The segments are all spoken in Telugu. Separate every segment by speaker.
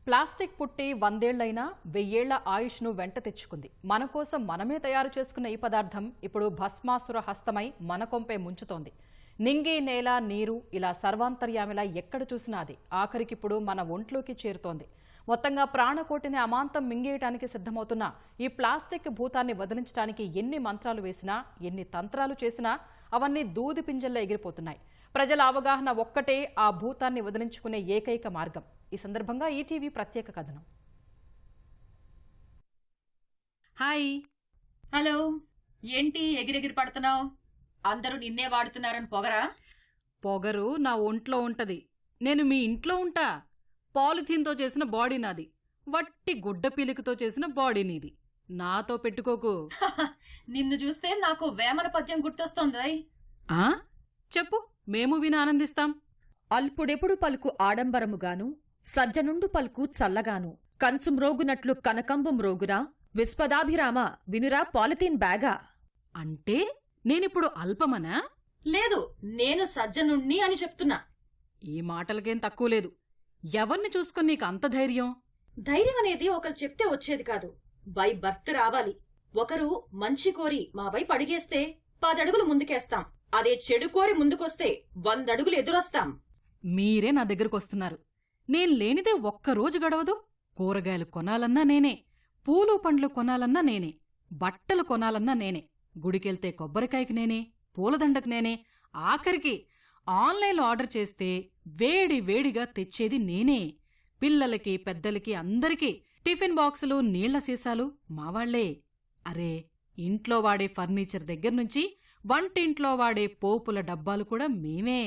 Speaker 1: ప్లాస్టిక్ పుట్టి 100 ఏళ్లైనా 1000 ఏళ్ల ఆయుష్ను వెంట తెచ్చుకుంది. మన కోసం మనమే తయారు చేసుకున్న ఈ పదార్థం ఇప్పుడు భస్మాసుర హస్తమై మన కొంపే ముంచుతోంది. నింగి, నేల, నీరు ఇలా సర్వాంతర్యామిలా ఎక్కడ చూసినా అది ఆఖరికిప్పుడు మన ఒంట్లోకి చేరుతోంది. మొత్తంగా ప్రాణకోటిని అమాంతం మింగేయటానికి సిద్ధమవుతున్న ఈ ప్లాస్టిక్ భూతాన్ని వదిలించడానికి ఎన్ని మంత్రాలు వేసినా, ఎన్ని తంత్రాలు చేసినా అవన్నీ దూది పింజల్లో ఎగిరిపోతున్నాయి. ప్రజల అవగాహన ఒక్కటే ఆ భూతాన్ని వదిలించుకునే ఏకైక మార్గం. ఈ సందర్భంగా ఈటీవీ ప్రత్యేక కథనం.
Speaker 2: హాయ్. హలో. ఏంటి ఎగిరెగిరి పడుతున్నావు? అందరూ నిన్నే వాడుతున్నారని పొగరా?
Speaker 1: పొగరు నా ఒంట్లో ఉంటది. నేను మీ ఇంట్లో ఉంటా. పాలిథీన్తో చేసిన బాడీ నాది, వట్టి గుడ్డ పీలికతో చేసిన బాడీ నీది. నాతో పెట్టుకోకు.
Speaker 2: నిన్ను చూస్తే నాకు వేమన పద్యం గుర్తొస్తోంది.
Speaker 1: చెప్పు, మేము విని ఆనందిస్తాం.
Speaker 3: అల్పుడెప్పుడు పలుకు ఆడంబరముగాను, సజ్జనుండు పలుకు చల్లగాను, కంచు మ్రోగునట్లు కనకంబు మ్రోగురా, విశ్వదాభిరామ వినురా పాలిథీన్ బ్యాగా.
Speaker 1: అంటే నేనిప్పుడు అల్పమనా?
Speaker 2: లేదు, నేను సజ్జనుణ్ణి అని చెప్తున్నా.
Speaker 1: ఈ మాటలకేం తక్కువ లేదు. ఎవర్ని చూసుకుని నీకు అంత ధైర్యం?
Speaker 2: ధైర్యం అనేది ఒకరు చెప్తే వచ్చేది కాదు, బై బర్త్ రావాలి. ఒకరు మంచి కోరి మా వైపు అడిగేస్తే 10 అడుగులు ముందుకేస్తాం. అదే చెడు కోరి ముందుకొస్తే 100 అడుగులు ఎదురొస్తాం.
Speaker 1: మీరే నా దగ్గరకొస్తున్నారు. నేను లేనిదే ఒక్కరోజు గడవదు. కూరగాయలు కొనాలన్నా నేనే, పూలు పండ్లు కొనాలన్నా నేనే, బట్టలు కొనాలన్నా నేనే, గుడికెళ్తే కొబ్బరికాయకి నేనే, పూలదండకు నేనే, ఆఖరికి ఆన్లైన్లో ఆర్డర్ చేస్తే వేడి వేడిగా తెచ్చేది నేనే. పిల్లలకి, పెద్దలకి, అందరికీ టిఫిన్ బాక్సులు, నీళ్ల సీసాలు మావాళ్లే. అరే, ఇంట్లో వాడే ఫర్నిచర్ దగ్గర్నుంచి వంటింట్లో వాడే పోపుల డబ్బాలు కూడా మేమే.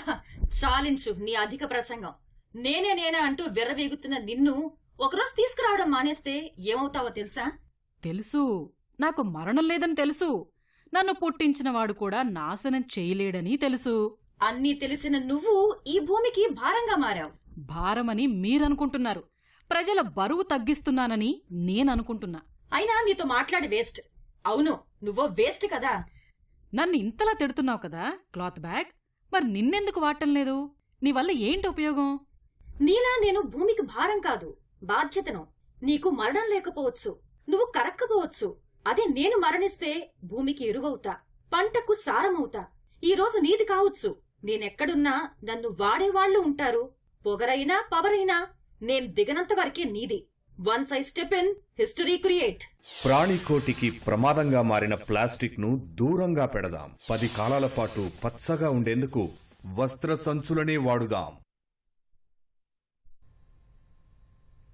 Speaker 2: చాలించు నీ అధిక ప్రసంగం. నేనే అంటూ విర్రవేగుతున్న నిన్ను ఒకరోజు తీసుకురావడం మానేస్తే ఏమవుతావో తెలుసా?
Speaker 1: తెలుసు, నాకు మరణం లేదని తెలుసు. నన్ను పుట్టించినవాడు కూడా నాశనం చేయలేడని తెలుసు.
Speaker 2: అన్నీ తెలిసిన నువ్వు ఈ భూమికి భారంగా మారావు.
Speaker 1: భారమని మీరనుకుంటున్నారు. ప్రజల బరువు తగ్గిస్తున్నానని నేననుకుంటున్నా.
Speaker 2: అయినా నీతో మాట్లాడి వేస్ట్. అవును, నువ్వో వేస్ట్ కదా.
Speaker 1: నన్ను ఇంతలా తిడుతున్నావు కదా క్లాత్ బ్యాగ్, మరి నిన్నెందుకు వాడటం లేదు? నీ వల్ల ఏంటి ఉపయోగం?
Speaker 2: నీలా నేను భూమికి భారం కాదు, బాధ్యతను. నీకు మరణం లేకపోవచ్చు, నువ్వు కరక్కపోవచ్చు. అదే నేను మరణిస్తే భూమికి ఎరువవుతా, పంటకు సారమవుతా. ఈ రోజు నీది కావచ్చు, నేనెక్కడున్నా నన్ను వాడేవాళ్లు ఉంటారు. పొగరైనా పవరైనా నేను దిగనంత వరకే నీది. Once I step in, history create.
Speaker 4: ప్రాణికోటికి ప్రమాదంగా మారిన ప్లాస్టిక్ ను దూరంగా పెడదాం. 10 కాలాల పాటు పచ్చగా ఉండేందుకు వస్త్ర సంచులనే వాడుదాం.